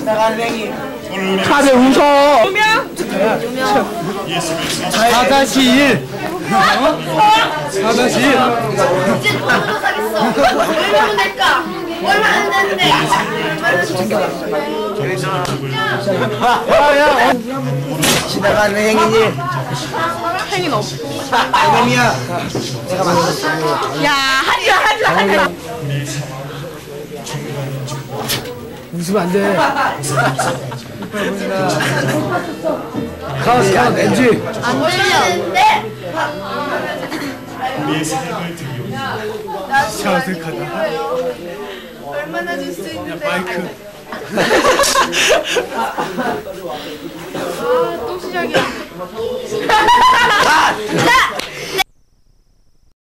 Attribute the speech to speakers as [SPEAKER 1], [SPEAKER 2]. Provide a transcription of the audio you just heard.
[SPEAKER 1] 지나가는 행인.
[SPEAKER 2] 다들 웃어.
[SPEAKER 3] 누명?
[SPEAKER 2] 4-1. 4-1.
[SPEAKER 4] 이제 돈으로 사겠어. 얼마면 될까? 얼마나 되는데?
[SPEAKER 1] 야야. 지나가는 행인이.
[SPEAKER 3] 행인 없고.
[SPEAKER 1] 이놈이야. 내가 만들었어.
[SPEAKER 3] 야, 하지마.
[SPEAKER 2] 웃으면 안 돼. 카우스 엔지.
[SPEAKER 4] 안 들리는데?
[SPEAKER 2] 어색하다.
[SPEAKER 4] 얼마나 줄 수 있는데?
[SPEAKER 2] 마이크.
[SPEAKER 3] 또 시작이야.
[SPEAKER 4] 자!